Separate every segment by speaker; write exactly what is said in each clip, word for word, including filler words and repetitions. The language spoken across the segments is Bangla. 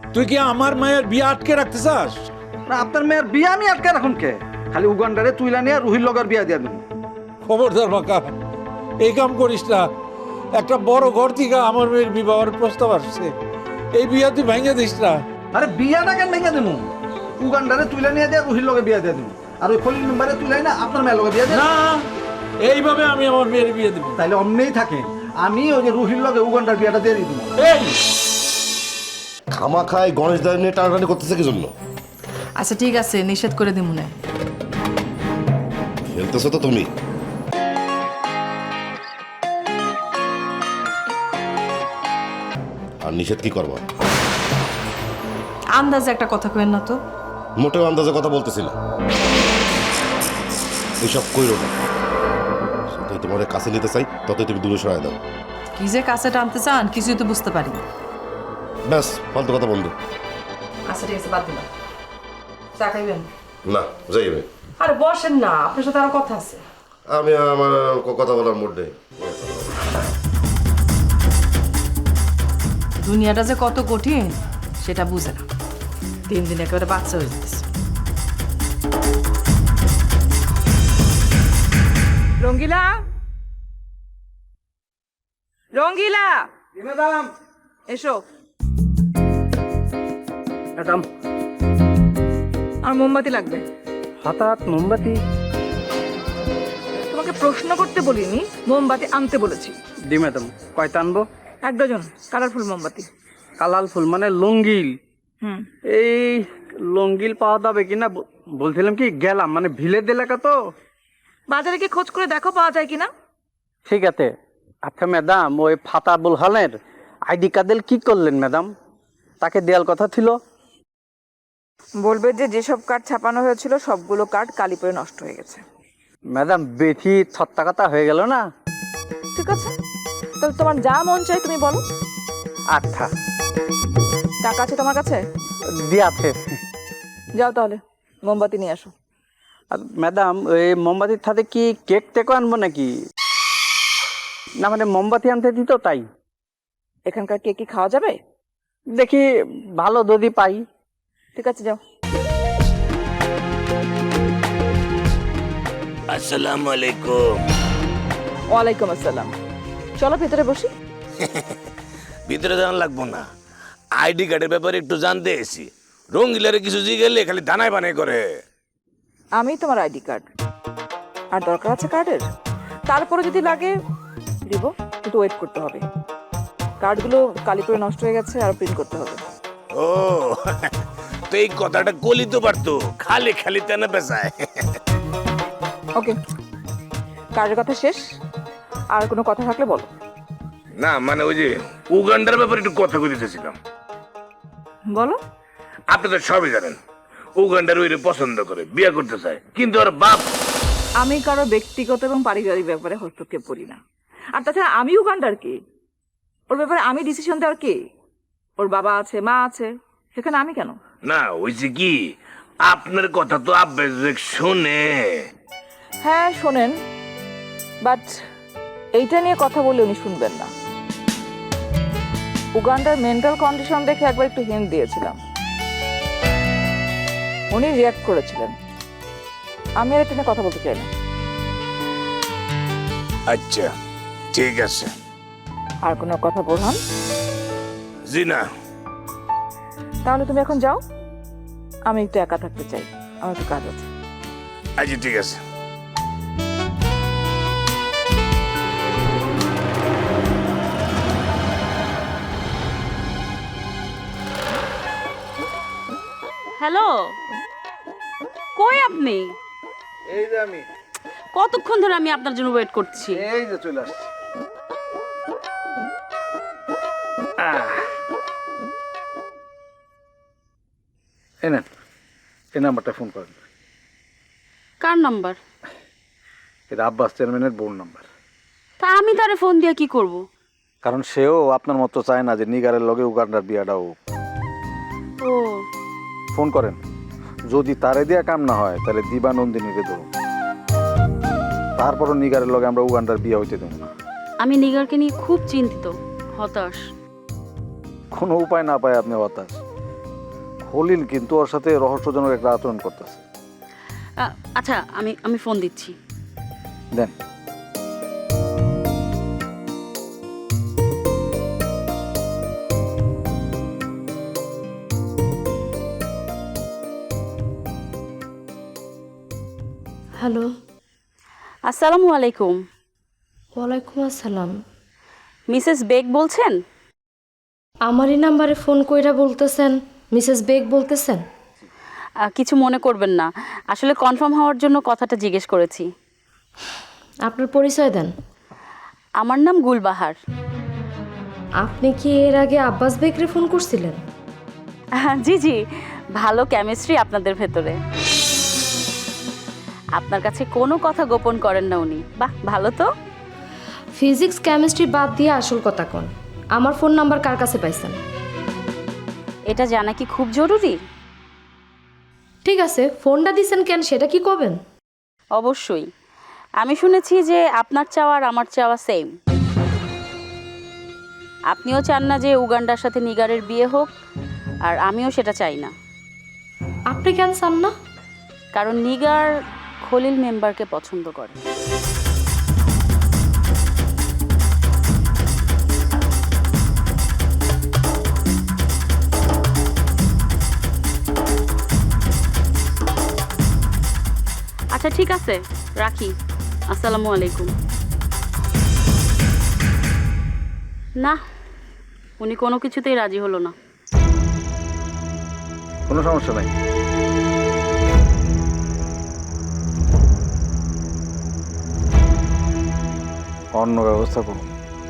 Speaker 1: তুই কি আমার মায়ের বিয়ে আটকে রাখতে চাস?
Speaker 2: না আপনার মেয়ের বিয়ে আমি আটকে রাখুন কে? খালি উগান্ডারে তুইলা নিয়ে রুহির লগের বিয়া দিয়া দিন।
Speaker 1: খবরদার বাঁকা, এই কাম করিস না। একটা বড় ঘর থেকে আমার মেয়ের বিবাহের প্রস্তাব আসছে, এই বিয়া তুই ভেঙে দিস না।
Speaker 2: আরে বিয়াটা কেন ভেঙে দিন? উগান্ডারে তুইলা নিয়ে দিয়া রুহির লগে বিয়া দিয়া দিন, আর ওই খলিল মেম্বারে তুইলাই না আপনার মেয়ের লগে বিয়া দিয়া।
Speaker 1: না, এইভাবে আমি আমার মেয়ের বিয়ে দেবো।
Speaker 2: তাইলে অমনেই থাকে, আমি ওই যে রুহির লগে উগান্ডার বিয়াটা দিয়ে দিই।
Speaker 1: এই
Speaker 3: খামা খায় গণেশ দাঁড়িয়ে নিয়ে টানাটানি করতেছে কি জন্য?
Speaker 4: আচ্ছা ঠিক আছে, নিষেধ করে দিই মনে।
Speaker 3: খেলতেছো তো তুমি। আর নিষেধ কি করবো?
Speaker 4: আন্দাজে একটা কথা কইেন না তো।
Speaker 3: মোটেও আন্দাজে কথা বলতেছি না। এইসব কইরো না। যতই তোমার কাছে নিতে চাই ততই তুমি দূরে সরাই দাও।
Speaker 4: কি যে কাছে টানতে চান কিছুই তো বুঝতে পারি না।
Speaker 3: ব্যাস, ফালতু কথা বন্ধু।
Speaker 4: আচ্ছা ঠিক আছে, বাদ দিলাম। চা খাইবেন?
Speaker 3: না, যাইবে।
Speaker 4: আরে বসেন না, আপনার সাথে আরো কথা আছে।
Speaker 3: আমি আমার কথা বলার মুড নেই।
Speaker 4: দুনিয়াটা যে কত কঠিন সেটা বুঝে না, দিন দিন একেবারে বাচ্চা হয়ে যেতেছে। রঙ্গিলা, রঙ্গিলা,
Speaker 2: ম্যাডাম
Speaker 4: এসো।
Speaker 2: ম্যাডাম
Speaker 4: আর মোমবাতি লাগবে।
Speaker 2: হঠাৎ মোমবাতি?
Speaker 4: তোমাকে প্রশ্ন করতে বলিনি, মোমবাতি আনতে বলেছি।
Speaker 2: দি ম্যাডাম, কয়টা আনবো?
Speaker 4: এক ডজন কালারফুল মোমবাতি।
Speaker 2: কালাল ফুল মানে লঙ্গিল?
Speaker 4: হুম,
Speaker 2: এই লঙ্গিল পাওয়া যাবে কিনা বলছিলাম, কি গেলাম মানে ভিলেজ এলাকা তো।
Speaker 4: বাজারে কি খোঁজ করে দেখো পাওয়া যায় কিনা।
Speaker 2: ঠিক আছে। আচ্ছা ম্যাডাম, ওই ফাতা বুলহানের আইডি কার্ডের কি করলেন ম্যাডাম? তাকে দেওয়ার কথা ছিল।
Speaker 5: বলবে যে যেসব কার্ড ছাপানো হয়েছিল সবগুলো কার্ড কালি পড়ে নষ্ট হয়ে গেছে।
Speaker 2: ম্যাডাম বেশি ছত্তা কথা হয়ে গেল না?
Speaker 5: ঠিক আছে, তাহলে তোমার যা মন চাই তুমি বলো।
Speaker 2: আচ্ছা,
Speaker 5: টাকা আছে তোমার কাছে?
Speaker 2: দিয়াছে।
Speaker 5: যাও তাহলে মোমবাতি নিয়ে আসো।
Speaker 2: আর ম্যাডাম, ওই মোমবাতির সাথে কি কেক টেকও আনবো নাকি? না মানে মোমবাতি আনতে দিত তাই।
Speaker 5: এখানকার কেক কি খাওয়া যাবে?
Speaker 2: দেখি ভালো যদি পাই।
Speaker 5: ঠিক আছে, যাও।
Speaker 6: আসসালামু আলাইকুম।
Speaker 5: ওয়ালাইকুম আসসালাম। চলো ভেতরে বসি।
Speaker 6: ভিতরে যাওয়া লাগবো না, আইডি কার্ডের ব্যাপারে একটু জানতে এসেছি। রঙ্গিলারে কিছু জিগেলে খালি দানায় বানাই করে।
Speaker 5: আমি তোমার আইডি কার্ড, আর দরকার আছে কার্ডের। তারপরে যদি লাগে দিব, কিন্তু ওয়েট করতে হবে। কার্ডগুলো কালি পড়ে নষ্ট হয়ে গেছে, আর প্রিন্ট করতে হবে।
Speaker 6: ও তো এই কথাটা কলি তো পারতো, খালি খালি তেনা পেশায়।
Speaker 5: ওকে, কার্ডের কথা শেষ। আর কোনো কথা থাকলে বলো।
Speaker 6: না মানে ওই যে উগান্ডার ব্যাপারে একটু কথা কইতেছিলাম।
Speaker 5: বলো।
Speaker 6: আপনি তো সবই জানেন, উগান্ডার ওইরে পছন্দ করে, বিয়ে করতে চায়, কিন্তু ওর বাপ।
Speaker 5: আমি কারো ব্যক্তিগত এবং পারিবারিক ব্যাপারে হস্তক্ষেপ করি না। আর তাছাড়া আমি উগান্ডার কে? ওর ব্যাপারে আমি ডিসিশন দেওয়ার কে? ওর বাবা আছে, মা আছে, সেখানে আমি কেন?
Speaker 6: না ওইছে কি, আপনার কথা তো আব্বা শুনে।
Speaker 5: হ্যাঁ শোনেন, বাট এইটা নিয়ে কথা বলে উনি শুনবেন না। উগান্ডার মেন্টাল কন্ডিশন দেখে একবার একটু হিন্ট দিয়েছিলাম, উনি রিয়াক্ট করেছিলেন। আমি আর এটা নিয়ে কথা বলতে চাই না।
Speaker 6: আচ্ছা ঠিক আছে।
Speaker 5: আর কোনো কথা বোরহান?
Speaker 6: জি না।
Speaker 5: তাহলে তুমি এখন যাও, আমি একটু একা থাকতে চাই, আমার একটু কাজ আছে।
Speaker 6: আচ্ছা ঠিক আছে।
Speaker 7: হ্যালো, কই আপনি?
Speaker 2: এই যে আমি,
Speaker 7: কতক্ষণ ধরে আমি আপনার জন্য ওয়েট করছি।
Speaker 2: এই যে চলে আসছি। এই নেন, এই নাম্বারটা ফোন করেন।
Speaker 7: কার নাম্বার?
Speaker 2: এটা আব্বাস চেয়ারম্যানের বোন নাম্বার।
Speaker 7: তা আমি তারে ফোন দিয়ে কি করব?
Speaker 2: কারণ সেও আপনার মতো চায় না যে নিগারের লগে উগান্ডার বিয়াটা হোক।
Speaker 7: ও
Speaker 2: ফোন করেন, যদি তারে দিয়া কাম না হয় তাহলে দিবা নন্দিনীকে ধরুন। তারপরও নিগারের লগে আমরা উগান্ডার বিয়া হইতে দেব না।
Speaker 7: আমি নিগারকে নিয়ে খুব চিন্তিত, হতাশ।
Speaker 2: কোনো উপায় না পায় আপনি হতাশ।
Speaker 8: খলিল কিন্তু ওর সাথে রহস্যজনক একটা আচরণ করতেছে।
Speaker 7: আ- আচ্ছা আমি আমি ফোন দিচ্ছি।
Speaker 8: দেন।
Speaker 9: হ্যালো,
Speaker 7: আসসালামু আলাইকুম।
Speaker 9: ওয়ালাইকুম আসসালাম।
Speaker 7: মিসেস বেগ বলছেন?
Speaker 9: আমারই নাম্বারে ফোন কইরা বলতেছেন মিসেস বেগ বলতেছেন?
Speaker 7: আ, কিছু মনে করবেন না, আসলে কনফার্ম হওয়ার জন্য কথাটা জিজ্ঞেস করেছি।
Speaker 9: আপনার পরিচয় দেন।
Speaker 7: আমার নাম গুলবাহার।
Speaker 9: আপনি কি এর আগে আব্বাস বেগরে ফোন করছিলেন?
Speaker 7: আহ, জি জি, ভালো কেমিস্ট্রি আপনাদের ভেতরে। আপনার কাছে কোনো কথা গোপন করেন না উনি। বাহ, ভালো তো।
Speaker 9: ফিজিক্স কেমিস্ট্রি বাদ দিয়ে আসল কথা কোন, আমার ফোন নাম্বার কার কাছে পাইছেন?
Speaker 7: এটা জানা কি খুব জরুরি?
Speaker 9: ঠিক আছে, ফোনটা দিছেন কেন সেটা কি কবেন?
Speaker 7: অবশ্যই। আমি শুনেছি যে আপনার চাওয়া আর আমার চাওয়া সেম। আপনিও চান না যে উগান্ডার সাথে নিগারের বিয়ে হোক, আর আমিও সেটা চাই না।
Speaker 9: আপনি কেন চান না?
Speaker 7: কারণ নিগার খলিল মেম্বারকে পছন্দ করে। আচ্ছা ঠিক আছে, রাখি। আসসালামু আলাইকুম। না, উনি কোনো কিছুতেই রাজি হলো না।
Speaker 8: কোনো সমস্যা নাই। অন্য ব্যবস্থা করুন।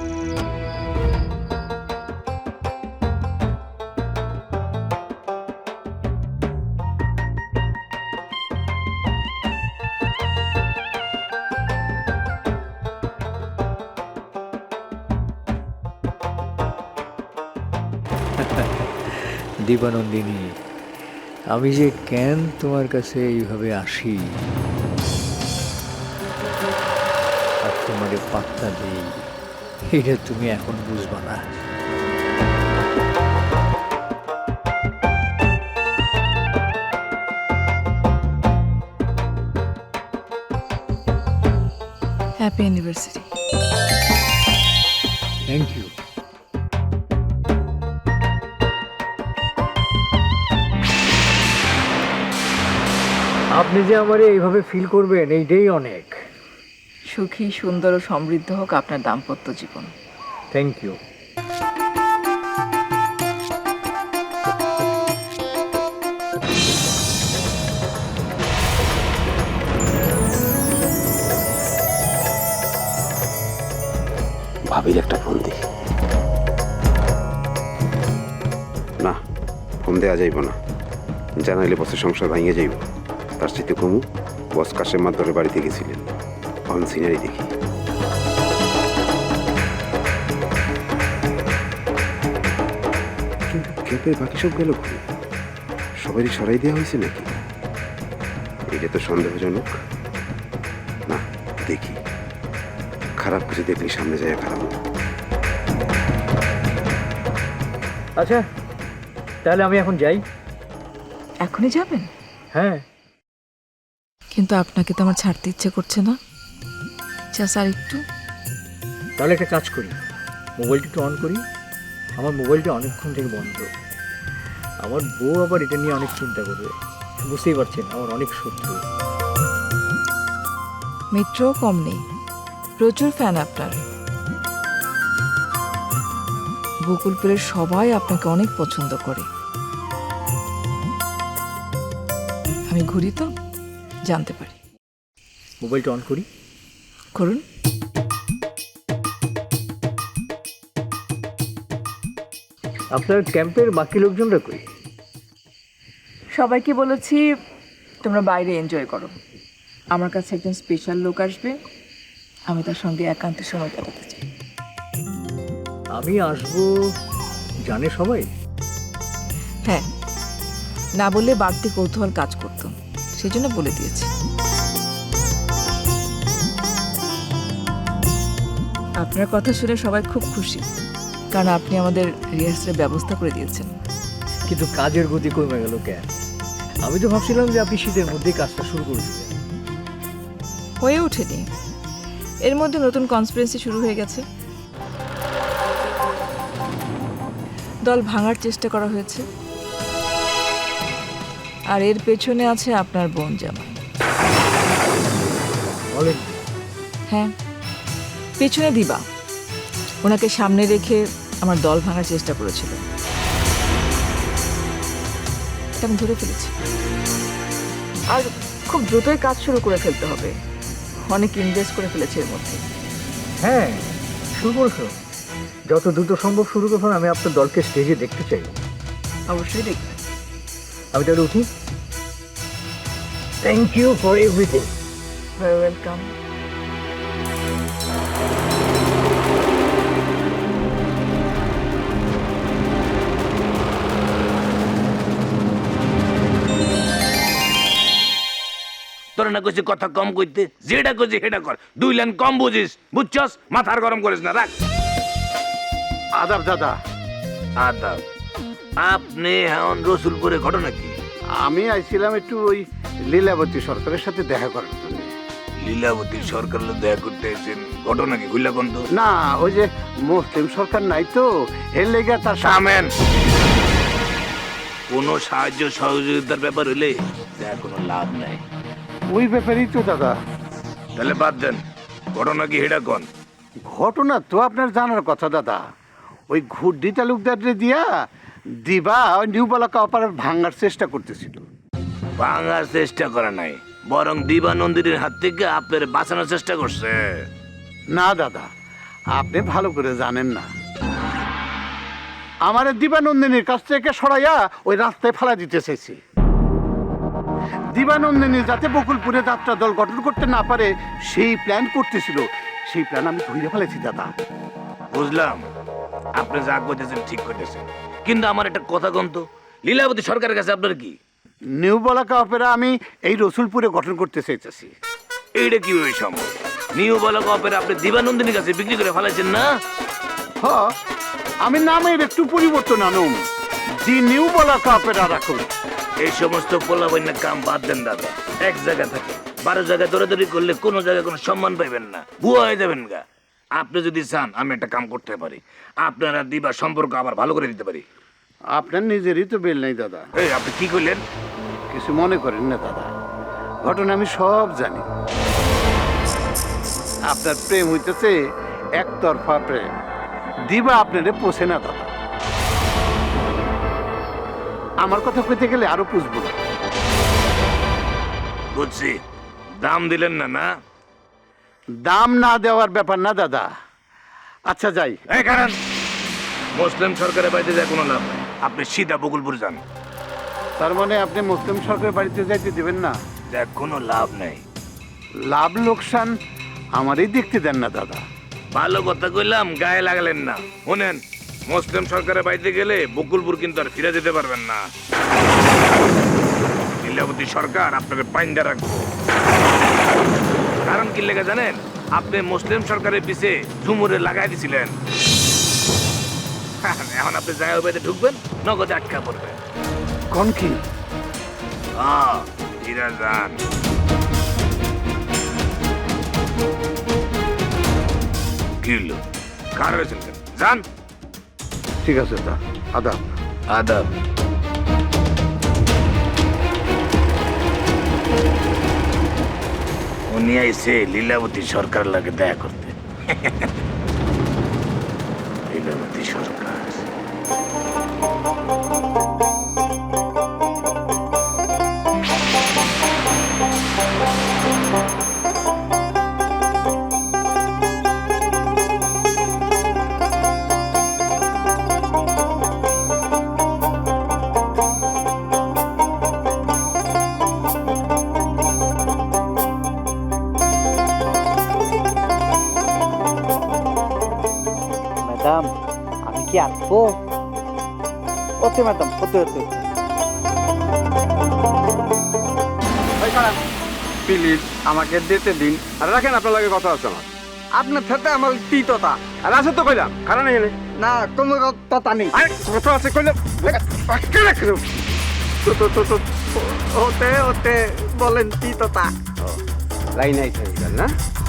Speaker 10: দীপানন্দিনী, আমি যে কেন তোমার কাছে এইভাবে আসি আর তোমারে পাত্তা দিই, এটা তুমি এখন বুঝবা না।
Speaker 5: Happy anniversary.
Speaker 10: Thank you. আপনি যে আমারে এইভাবে ফিল করবেন এইটাই অনেক।
Speaker 5: সুখী, সুন্দর ও সমৃদ্ধ হোক আপনার দাম্পত্য জীবন।
Speaker 10: Thank you.
Speaker 3: ভাবির একটা ফোন দিই। না, ফোন দেওয়া যাইব না, জানাইলে বসের সংসার ভাঙিয়ে যাইব। তার সাথে কমু বস কাশেম মাদ্দরের বাড়িতে গেছিলেন, অন সিনারি দেখি। কিন্তু ক্যাপের বাকি সব গেল, সবারই সরাই দেওয়া হয়েছে নাকি? এটা তো সন্দেহজনক। না, দেখি, খারাপ কিছু দেখলে সামনে যায় খারাপ।
Speaker 10: আচ্ছা, তাহলে আমি এখন যাই।
Speaker 5: এখনই যাবেন?
Speaker 10: হ্যাঁ।
Speaker 5: কিন্তু আপনাকে তো আমার ছাড়তে ইচ্ছে করছে না। জাস্ট আর একটু।
Speaker 10: তাহলে একটা কাজ করি, মোবাইলটা একটু অন করি। আমার মোবাইলটা অনেকক্ষণ থেকে বন্ধ। আমার বউ আবার এটা নিয়ে অনেক চিন্তা করবে। বুঝতেই পারছেন, আমার অনেক শত্রু।
Speaker 5: মিত্রও কম নেই, প্রচুর ফ্যান আপনার। বকুলপুরের সবাই আপনাকে অনেক পছন্দ করে। আমি ঘুরি তো জানতে পারি।
Speaker 10: মোবাইলটা অন করি।
Speaker 5: করুন।
Speaker 10: আপনার ক্যাম্পের বাকি লোকজনরা কই?
Speaker 5: সবাইকে বলেছি তোমরা বাইরে এনজয় করো। আমার কাছে একজন স্পেশাল লোক আসবে, আমি তার সঙ্গে একান্তে সময় কাটাতে চাই।
Speaker 10: আমি আসবো জানে সবাই?
Speaker 5: হ্যাঁ, না বললে বাড়তি কৌতূহল কাজ করতো, সেই জন্য বলে দিয়েছি। আপনার কথা শুনে সবাই খুব খুশি, কারণ আপনি আমাদের রিহার্সালের ব্যবস্থা করে দিয়েছেন।
Speaker 10: কিন্তু কাজের গতি কমে গেল কেন? আমি তো ভাবছিলাম যে আপনি শীতের মধ্যেই কাজটা শুরু করে দেবেন।
Speaker 5: হয়ে ওঠেনি, এর মধ্যে নতুন কনস্পিরেন্সি শুরু হয়ে গেছে। দল ভাঙার চেষ্টা করা হয়েছে, আর এর পেছনে আছে আপনার বোন জামাই।
Speaker 10: বলেন
Speaker 5: হ্যাঁ, পেছনে দিবা, ওনাকে সামনে রেখে আমার দল ভাঙার চেষ্টা করেছিল। এটা আমি ধরে ফেলেছি, আর খুব দ্রুতই কাজ শুরু করে ফেলতে হবে। অনেক ইনভেস্ট করে ফেলেছে এর মধ্যে।
Speaker 10: হ্যাঁ, শুরু করছো। যত দ্রুত সম্ভব শুরু করুন। আমি আপনার দলকে স্টেজে দেখতে চাই।
Speaker 5: অবশ্যই দেখবেন।
Speaker 10: আমি তাহলে উঠি। Thank you for everything.
Speaker 5: Very welcome.
Speaker 6: তোরা না কইছি কথা কম কইতে, যেটা কইছি সেটা কর। দুই লাইন কম বুঝিস, বুঝছস? মাথার গরম করিস না, রাখ।
Speaker 3: আদাব দাদা।
Speaker 6: আদাব। আপনি এখন রসুলপুরে ঘটনা কি?
Speaker 3: আমি আইছিলাম একটু ওই লীলাবতী সরকারের সাথে দেখা করার জন্য।
Speaker 6: লীলাবতী সরকার দেখা করতে এসেছেন, ঘটনা কি? খুললা কোন তো?
Speaker 3: না, ওই যে মুসলিম সরকার নাই তো, এর লেগে তার
Speaker 6: সামেন কোন সাহায্য সহযোগিতার ব্যাপার হইলে তার কোনো লাভ নাই।
Speaker 3: ওই ব্যাপারেই তো দাদা।
Speaker 6: তাহলে বাদ দেন, ঘটনা কি হেডা কোন?
Speaker 3: ঘটনা তো আপনার জানার কথা দাদা। ওই ঘুড্ডি তালুকদারে দিয়া দিবা ওই নিউ বালাকা অপারের ভাঙার চেষ্টা করতেছিল।
Speaker 6: ভাঙার চেষ্টা করে নাই, বরং দিবানন্দিনীর হাত থেকে আপনার বাঁচানোর চেষ্টা করছে।
Speaker 3: না দাদা, আপনি ভালো করে জানেন না। আমার দিবানন্দিনীর কাছ থেকে সরাইয়া ওই রাস্তায় ফেলা দিতে চাইছি। দিবানন্দিনী যাতে বকুলপুরে যাত্রা দল গঠন করতে না পারে সেই প্ল্যান করতেছিল। সেই প্ল্যান আমি ধরে ফেলেছি দাদা।
Speaker 6: বুঝলাম, আপনি যা করতেছেন ঠিক করতেছেন, কিন্তু আমার একটা কথা কোন তো, লীলাবতী সরকারের কাছে আপনার কি?
Speaker 3: নিউ বলাকা অপেরা আমি এই রসুলপুরে গঠন করতে চাইতেছি।
Speaker 6: এইটা কিভাবে সম্ভব? নিউ বালকা অপেরা আপনি দিবানন্দিনীর কাছে বিক্রি করে ফেলাইছেন না?
Speaker 3: হ, আমি নামের একটু পরিবর্তন আনুম, দি নিউ বলাকা অপেরা রাখুন।
Speaker 6: এই সমস্ত পোলাবাইনের কাম বাদ দেন দাদা। এক জায়গায় থাকে, বারো জায়গায় দৌড়াদৌড়ি করলে কোনো জায়গায় কোনো সম্মান পাইবেন না, ভুয়া হয়ে যাবেন গা। আপনি যদি চান আমি একটা কাম করতে পারি, আপনারা দিবা সম্পর্ক আবার ভালো করে দিতে পারি।
Speaker 3: আপনার নিজেরই তো বেল নাই দাদা।
Speaker 6: এই আপনি কি করলেন?
Speaker 3: কিছু মনে করেন না দাদা, ঘটনা আমি সব জানি। আপনার প্রেম হইতেছে একতরফা প্রেম। দিবা আপনারে পোষে না দাদা। আমার কথা কইতে গেলে আরো পুষবো না।
Speaker 6: বুঝছি, দাম দিলেন না না?
Speaker 3: দাম না দেওয়ার ব্যাপার না দাদা। আচ্ছা যাই।
Speaker 6: এই কারণ মুসলিম সরকারের বাড়িতে যায় কোনো লাভ নাই, আপনি সিধা বকুলপুর যান।
Speaker 3: তার মানে আপনি মুসলিম সরকারের বাড়িতে যাইতে দিবেন না?
Speaker 6: দেখ কোনো লাভ নাই।
Speaker 3: লাভ লোকসান আমারই দেখতে দেন না দাদা।
Speaker 6: ভালো কথা কইলাম, গায়ে লাগালেন না। শুনেন, মুসলিম সরকারের বাড়িতে গেলে বকুলপুর কিন্তু আর ফিরে যেতে পারবেন না। লীলাবতী সরকার আপনাকে পাইন্দা রাখবো। কারণ কি লেগে জানেন? আপনি মুসলিম সরকারের পিছে ঝুমুরে লাগাই দিছিলেন। এখন আপনি জায়গা বাড়িতে ঢুকবেন, নগদে আটকা পড়বেন।
Speaker 3: কোন কি?
Speaker 6: হ্যাঁ, এরা যান। কি হলো? কার হয়েছেন কেন? যান।
Speaker 3: ঠিক আছে দা, আদাব।
Speaker 6: আদাব। উনি আইসে লীলাবতী সরকার লাগে দেখা করতে। লীলাবতী সরকার
Speaker 2: ম্যাডাম, আমি কি আসবো? Okay madam, okay okay.
Speaker 8: Please আমাকে দিতে দিন। আর রাখেন, আপনার লাগে কথা আছে আমার। আপনার সাথে আমার তিততা আর আছে তো কইলাম, কারণ এখানে না কোনো কথা নেই
Speaker 3: কথা আছে কইলে
Speaker 8: ওতে ওতে বলেন কি কথা
Speaker 3: লাইন আইছে না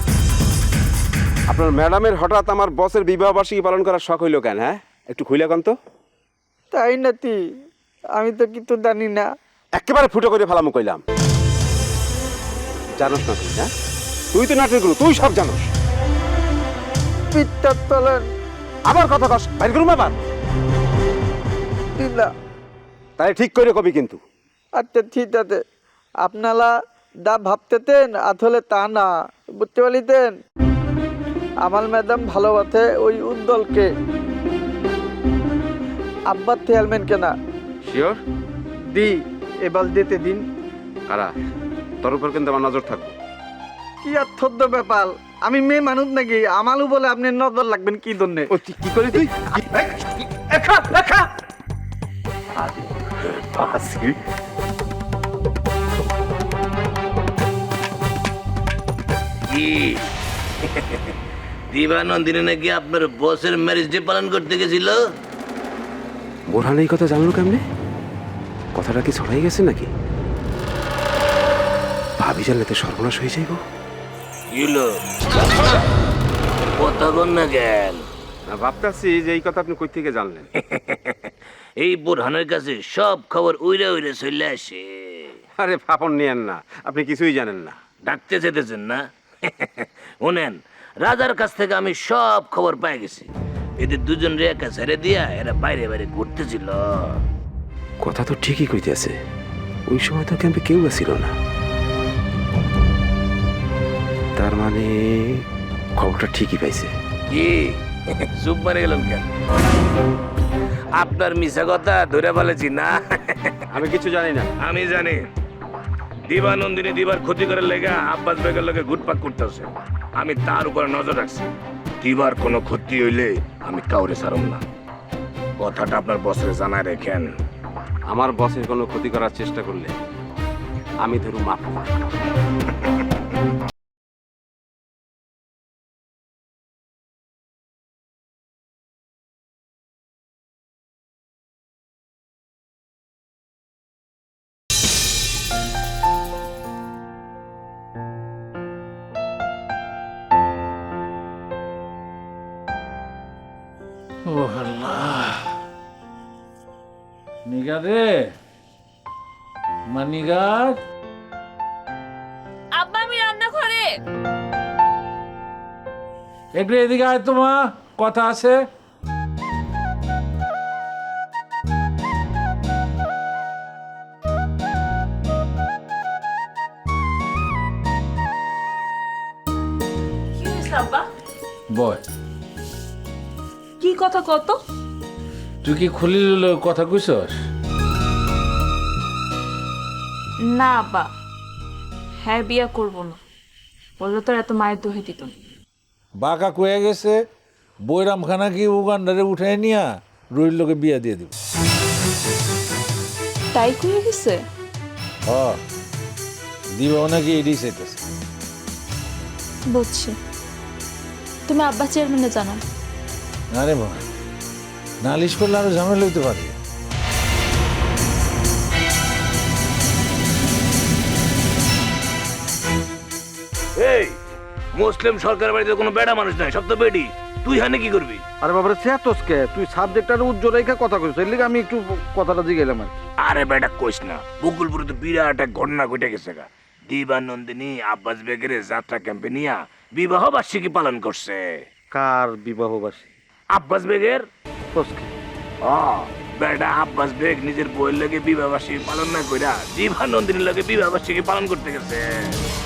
Speaker 3: আপনার ম্যাডামের হঠাৎ আমার বসের বিবাহ বার্ষিকী পালন করার শখ হইল কেন? হ্যাঁ, একটু খুইলা কন তো।
Speaker 8: তাই নাতি আমি তো কিছু জানি না।
Speaker 3: একেবারে ফুটো করে ফেলামো কইলাম। জানোস না তুই? হ্যাঁ, তুই তো নাটক গুলো তুই সব জানোস।
Speaker 8: পিঠটা তোলেন
Speaker 3: আবার কথা কস বাইর করুম আবার
Speaker 8: দিলা।
Speaker 3: তাই ঠিক করে কবি কিন্তু।
Speaker 8: আচ্ছা ঠিক আছে, আপনারা যা ভাবতেতেন আসলে তা না, বুঝতে পারিতেন। আমার ম্যাডাম ভালোবাসে ওই উজ্জ্বলকে, আব্বার চেয়ারম্যান কেনা।
Speaker 3: শিওর?
Speaker 8: দি এবার দিতে দিন।
Speaker 3: কারা? তোর উপর কিন্তু আমার নজর থাকবে।
Speaker 8: কি আর থদ্দ ব্যাপার, আমি মেয়ে মানুষ নাকি আমারও বলে আপনি নজর লাগবেন কি জন্যে?
Speaker 3: ও কি করে তুই?
Speaker 8: একা একা
Speaker 6: কি দিবানন্দিনী নাকি আপনার বসের ম্যারেজ ডে পালন করতে গেছিল?
Speaker 3: বোরহান এই কথা জানলো কেমনে? কথাটা কি ছড়াই গেছে নাকি? ভাবি জানলে তো সর্বনাশ হয়ে যাইব।
Speaker 6: ইলো কথা বল না কেন?
Speaker 3: ভাবতেছি যে এই কথা আপনি কই থেকে জানলেন?
Speaker 6: এই বোরহানের কাছে সব খবর উইরে উইরে চলে আসে।
Speaker 3: আরে ফাপন নিয়েন না, আপনি কিছুই জানেন না।
Speaker 6: ডাকতে যেতেছেন না? শোনেন, রাজার কাছ থেকে আমি সব খবর পেয়ে গেছি। এদের দুজন রেখা ছেড়ে দিয়া এরা বাইরে বাইরে ঘুরতেছিল।
Speaker 3: কথা তো ঠিকই কইতেছে, ওই সময় তো ক্যাম্পে কেউ আসছিল না। তার মানে খবরটা ঠিকই পাইছে।
Speaker 6: কি চুপ মারে গেলাম কেন? আপনার মিশা কথা ধরে ফেলেছি না?
Speaker 3: আমি কিছু জানি না।
Speaker 6: আমি জানি দিবানন্দিনী দিবার ক্ষতি করার লেগা আব্বাস বেগের লগে ঘুটপাক করতেছে। আমি তার উপরে নজর রাখছি। দিবার কোনো ক্ষতি হইলে আমি কাউরে ছাড়ব না। কথাটা আপনার বসরে জানায় রেখেন।
Speaker 3: আমার বসের কোনো ক্ষতি করার চেষ্টা করলে আমি ধরুন মাফ করব।
Speaker 1: ও আল্লাহ, নিগার রে, মানিগার।
Speaker 5: আব্বা আমি রান্না করে।
Speaker 1: একটু এদিকে আয় তো মা, কথা আছে।
Speaker 5: কি হয়েছে আব্বা?
Speaker 1: বয়,
Speaker 5: কি কথা কত?
Speaker 1: তুই কি খুলিল কথা কইছস?
Speaker 5: না আব্বা, হ্যাঁ বিয়া করব না, বললো তোর এত মায়ের দোহে দিত না।
Speaker 1: বাঁকা কয়ে গেছে বৈরাম খানা কি উগান্ডারে উঠাই নিয়া রুইর লোকে বিয়া দিয়ে দিব।
Speaker 5: তাই কয়ে গেছে?
Speaker 1: হ, দিব নাকি এডি চাইতেছে।
Speaker 5: বুঝছি, তুমি আব্বা চেয়ারম্যানে জানাও।
Speaker 1: আরে মা, নালিশ করলে আরো ঝামেলা হইতে পারে।
Speaker 6: এই মুসলিম সরকার বাড়িতে কোনো বেড়া মানুষ নাই, সব তো বেডি। তুই হানে কি করবি?
Speaker 8: আরে বাবারে চেতসকে তুই সাবজেক্টটা উজ্জ্বল রেখে কথা কইছ, এর লিগে আমি একটু কথাটা জিগাইলাম আর কি।
Speaker 6: আরে বেটা কইস না, বকুলপুরে তো বিরাট এক ঘটনা ঘটে গেছে গা। দিবানন্দিনী আব্বাস বেগের যাত্রা ক্যাম্পে নিয়া বিবাহ বার্ষিকী পালন করছে।
Speaker 8: কার বিবাহ বার্ষিকী?
Speaker 6: আব্বাস বেগের।
Speaker 8: তোসকে
Speaker 6: ও বেটা আব্বাস বেগ নিজের বইয়ের লগে বিবাহ বার্ষিকী পালন না কইরা দিবানন্দিনীর লগে বিবাহ বার্ষিকী পালন করতে গেছে।